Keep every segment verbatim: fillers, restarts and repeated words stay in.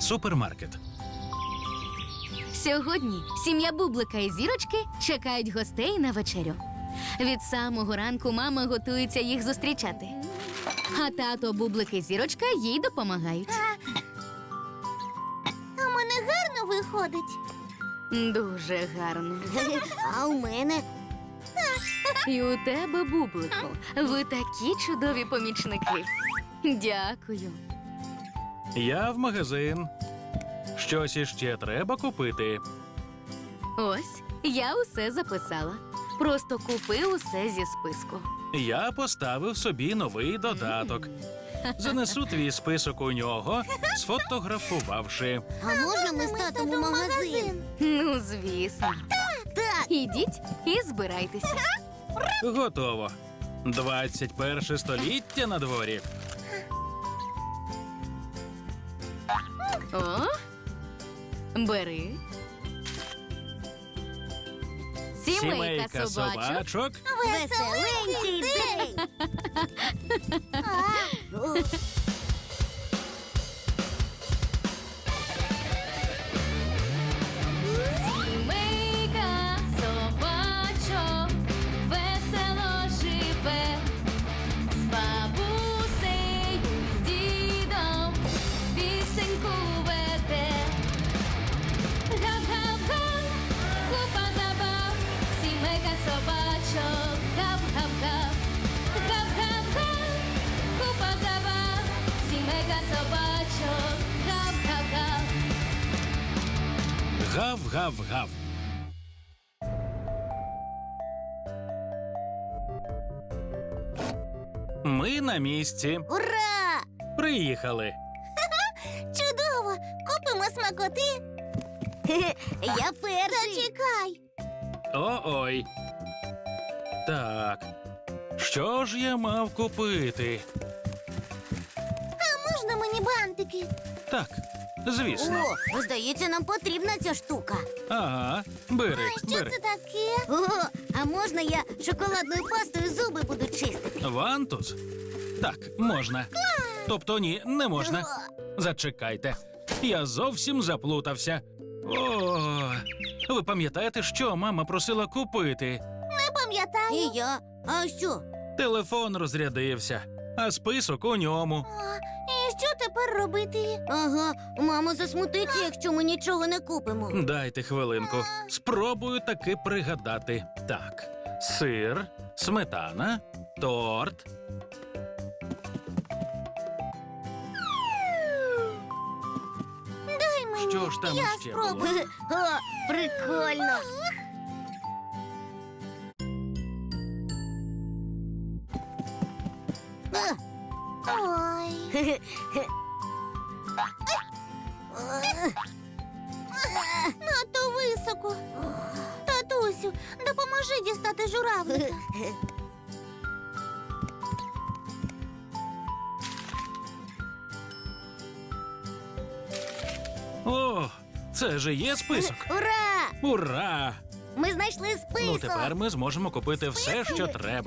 Супермаркет. Сьогодні сім'я Бублика і Зірочки чекають гостей на вечерю. Від самого ранку мама готується їх зустрічати. А тато, Бублик і Зірочка їй допомагають. А в мене гарно виходить. Дуже гарно. А у мене? І у тебе, Бублику, ви такі чудові помічники. Дякую. Я в магазин. Щось іще треба купити. Ось, я усе записала. Просто купи усе зі списку. Я поставив собі новий додаток. Занесу твій список у нього, сфотографувавши. А можна ми з татом у магазин? Ну, звісно. Так. Ідіть і збирайтеся. Готово. двадцять перше століття на дворі. О, бери. Сімейка собачок. собачок. Веселенький день! А, о. Сімейка собачок весело живе, з бабусею, з дідом пісеньку веде. Гав-гав-га, купа забав, сімейка собачок, гав-гав-гав. Гав-гав-га, купа забав, сімейка собачок, гав-гав-гав. Гав-гав-гав. Ми на місці. Ура! Приїхали. Чудово! Купимо смакоти. Я перший. Зачекай. О-ой. Так. Що ж я мав купити? А можна мені бантики? Так, звісно. О, здається, нам потрібна ця штука. Ага, бери, А що бери. це таке? О, а можна я шоколадною пастою зуби буду чистити? Вантус? Так, можна. Тобто ні, не можна. Зачекайте. Я зовсім заплутався. О, ви пам'ятаєте, що мама просила купити? Не пам'ятаю. І я. А що? Телефон розрядився, а список у ньому. А, і що тепер робити? Ага, мама засмутиться, якщо ми нічого не купимо. Дайте хвилинку. Спробую таки пригадати. Так, сир, сметана, торт. Дай мені. Що ж там я ще спробую. було? О, прикольно. Ой. Надто високо. Татусю, допоможи дістати журавлика. О, це же є список. Ура! Ура! Ми знайшли список. Ну, тепер ми зможемо купити все, що треба.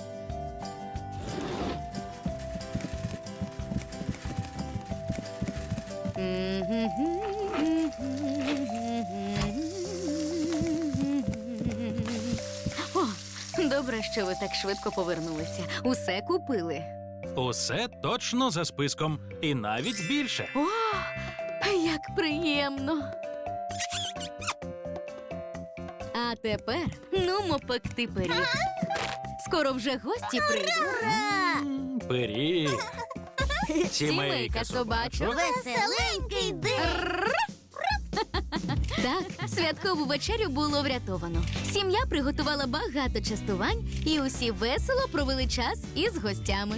О, добре, що ви так швидко повернулися. Усе купили. Усе точно за списком. І навіть більше. О, як приємно. А тепер нумо пекти пиріг. Скоро вже гості прийдуть. Ура! М, Пиріг. Сімейка собачок. Веселенький день! Так, святкову вечерю було врятовано. Сім'я приготувала багато частувань, і усі весело провели час із гостями.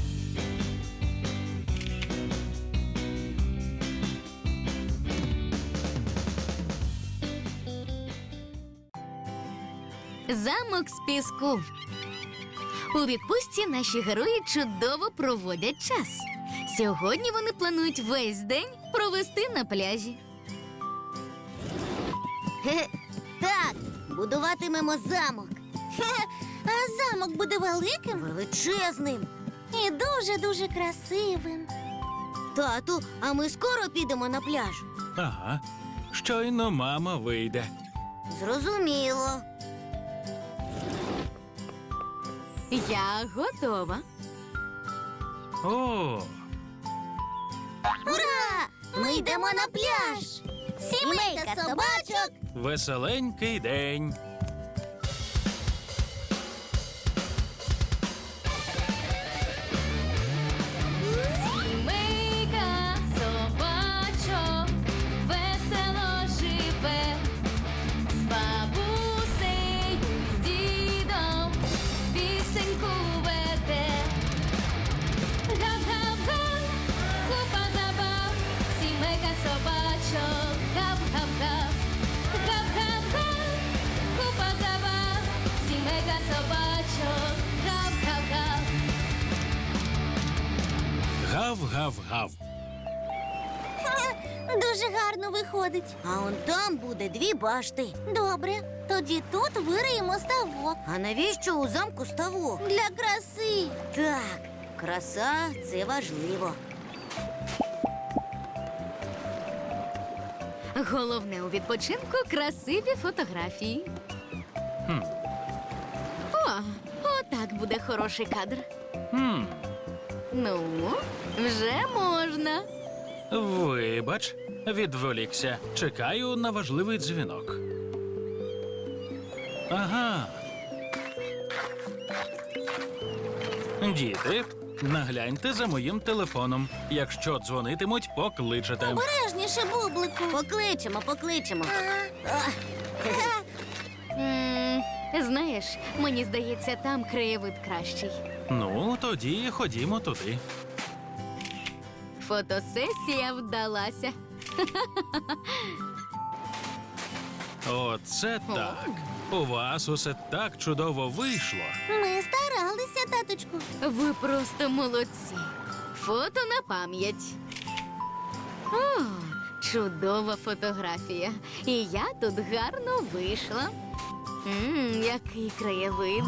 Замок з піску. У відпустці наші герої чудово проводять час. Сьогодні вони планують весь день провести на пляжі. Так, будуватимемо замок. А замок буде великим? Величезним. І дуже-дуже красивим. Тату, а ми скоро підемо на пляж. Ага. Щойно мама вийде. Зрозуміло. Я готова. О, Ура! Ми йдемо на пляж! Сімейка собачок! веселенький день. Сімейка собачок весело живе, з бабусею, з дідом пісеньку веде. Гав-гав-га, купа забав, сімейка собачок, гав-гав-гав. Гав-гав-га, купа забав, сімейка собачок, гав-гав-гав. Гав-гав-гав. Дуже гарно виходить. А он там буде дві башти. Добре, тоді тут вириємо ставок. А навіщо у замку ставок? Для краси. Так, краса це важливо. Головне у відпочинку красиві фотографії. Хм. О, отак буде хороший кадр. Хм. Ну, вже можна. Вибач, відволікся. Чекаю на важливий дзвінок. Ага. Діти, нагляньте за моїм телефоном. Якщо дзвонитимуть, покличете. Обережніше, бублику. Покличемо, покличемо. М, знаєш, мені здається, там краєвид кращий. Ну, тоді ходімо туди. Фотосесія вдалася. Оце так. У вас усе так чудово вийшло. Ми старалися, таточку. Ви просто молодці. Фото на пам'ять. О, чудова фотографія. І я тут гарно вийшла. Мм, який краєвид.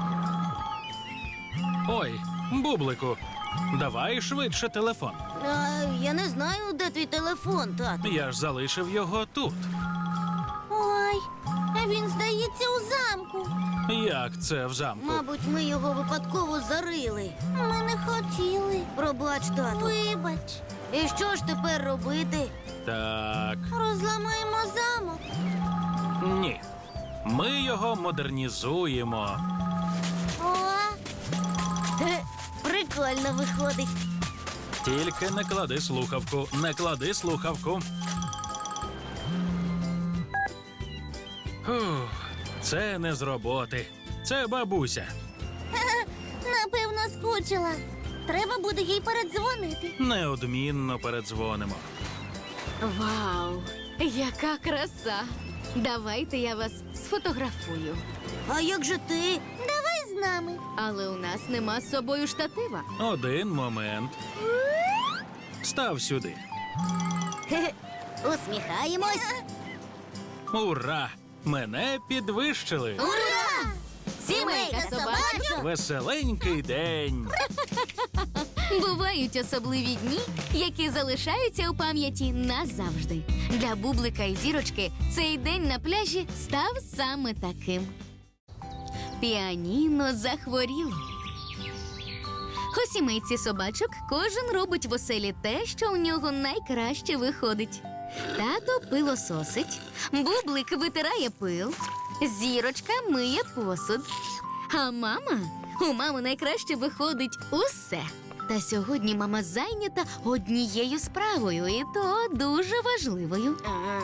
Ой, бублику, давай швидше телефон. А, я не знаю, де твій телефон, тату. Я ж залишив його тут. Ой, він здається у замку. Як це в замку? Мабуть, ми його випадково зарили. Ми не хотіли. Пробач, тату. Вибач. І що ж тепер робити? Так, Розламаємо замок. ні. Ми його модернізуємо. О, Е, прикольно виходить. Тільки не клади слухавку, не клади слухавку. Фух, це не з роботи. Це бабуся. Напевно, скучила. Треба буде їй передзвонити. Неодмінно передзвонимо. Вау, яка краса! Давайте я вас сфотографую. А як же ти? Давай з нами. Але у нас нема з собою штатива. Один момент. Став сюди. Хе-хе. Усміхаємось. Ура! Мене підвищили. Ура! Сімейка собачок. Веселенький день. Бувають особливі дні, які залишаються у пам'яті назавжди. Для бублика і зірочки цей день на пляжі став саме таким. Піаніно захворіло. У сімейці собачок кожен робить в оселі те, що у нього найкраще виходить. Тато пилососить, бублик витирає пил, зірочка миє посуд. А мама? У мами найкраще виходить усе. Та сьогодні мама зайнята однією справою, і то дуже важливою.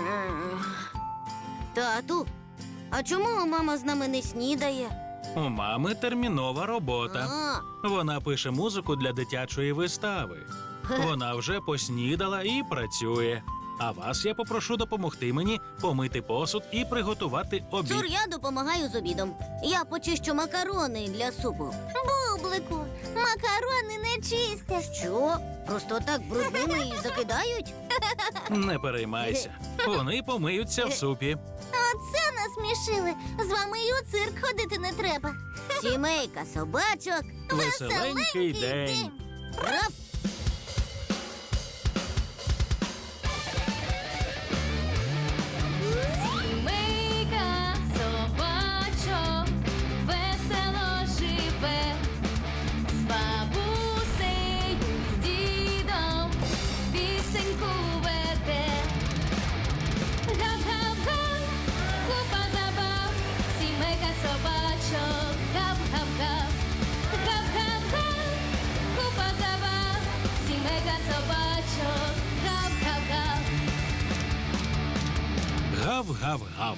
Тату, а чому мама з нами не снідає? У мами термінова робота. А, Вона пише музику для дитячої вистави. Вона вже поснідала і працює. А вас я попрошу допомогти мені помити посуд і приготувати обід. Цур, я допомагаю з обідом. Я почищу макарони для супу. Бублику, макарони не чистять. Що? Просто так брудними і закидають? Не переймайся. Вони помиються в супі. Оце насмішили. З вами і у цирк ходити не треба. Сімейка собачок. Веселенький день. Раф! Гав-гав-гав.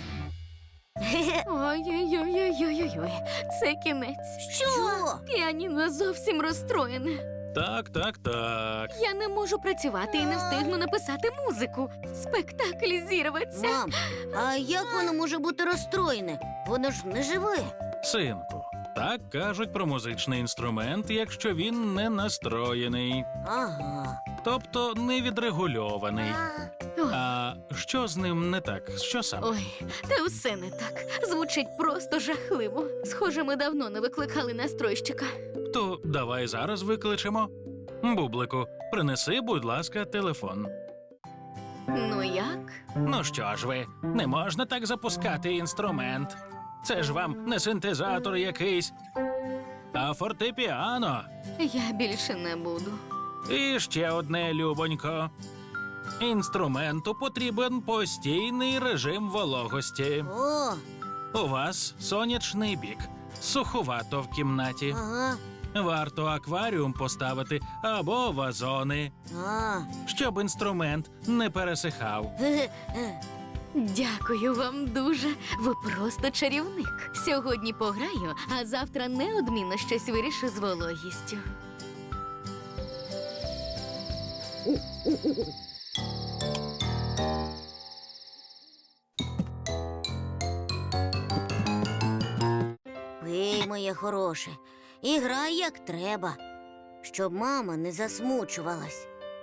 Ой-ой-ой-ой-ой-ой, це кінець. Що? Піаніно зовсім розстроєне. Так, так, так. Я не можу працювати і не встигну написати музику. Спектакль зірветься. Мам, а як воно може бути розстроєне? Воно ж не живе. Синку, так кажуть про музичний інструмент, якщо він не настроєний, Ага. тобто не відрегульований. Ой, А що з ним не так? Що саме? Ой, та все не так. Звучить просто жахливо. Схоже, ми давно не викликали настройщика. То давай зараз викличемо. Бублику, принеси, будь ласка, телефон. Ну як? Ну що ж ви, не можна так запускати інструмент. Це ж вам не синтезатор якийсь, а фортепіано. Я більше не буду. І ще одне, любонько. Інструменту потрібен постійний режим вологості. О, У вас сонячний бік, суховато в кімнаті. ага. Варто акваріум поставити або вазони, А. щоб інструмент не пересихав. Ге-ге. Дякую вам дуже. Ви просто чарівник. Сьогодні пограю, а завтра неодмінно щось вирішу з вологістю. Пий, моє хороше, і грай як треба, щоб мама не засмучувалась.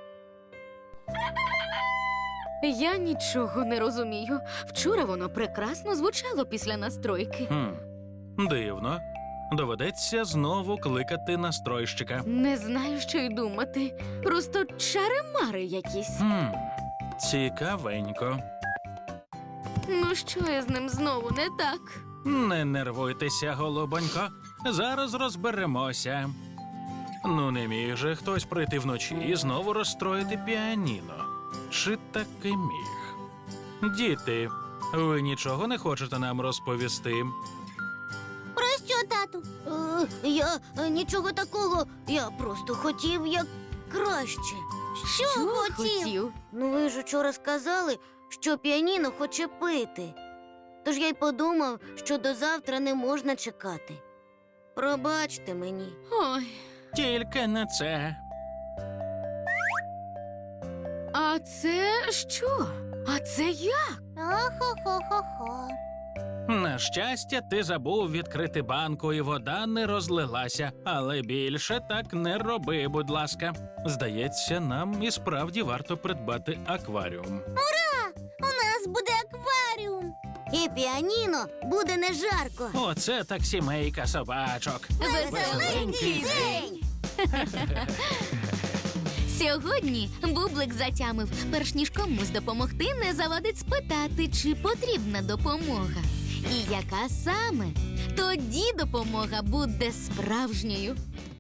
Я нічого не розумію. Вчора воно прекрасно звучало після настройки. Хм, дивно. Доведеться знову кликати настройщика. Не знаю, що й думати. Просто чари-мари якісь. Хм, цікавенько. Ну що я з ним знову не так? Не нервуйтеся, голубонько. Зараз розберемося. Ну, не міг же хтось прийти вночі і знову розстроїти піаніно. Чи таки міг? Діти, ви нічого не хочете нам розповісти? Про що, тату? Е, я е, нічого такого. Я просто хотів як краще. Що, хотів? Ну, ви ж учора сказали, що піаніно хоче пити. Тож я й подумав, що до завтра не можна чекати. Пробачте мені. Ой, Тільки не це. а це що? А це як? Охо-хо-хо-хо. На щастя, ти забув відкрити банку, і вода не розлилася. Але більше так не роби, будь ласка. Здається, нам і справді варто придбати акваріум. У нас буде акваріум. І піаніно буде не жарко. Оце так сімейка собачок. Веселенький день. Сьогодні Бублик затямив, перш ніж комусь допомогти, не завадить спитати, чи потрібна допомога. І яка саме? Тоді допомога буде справжньою.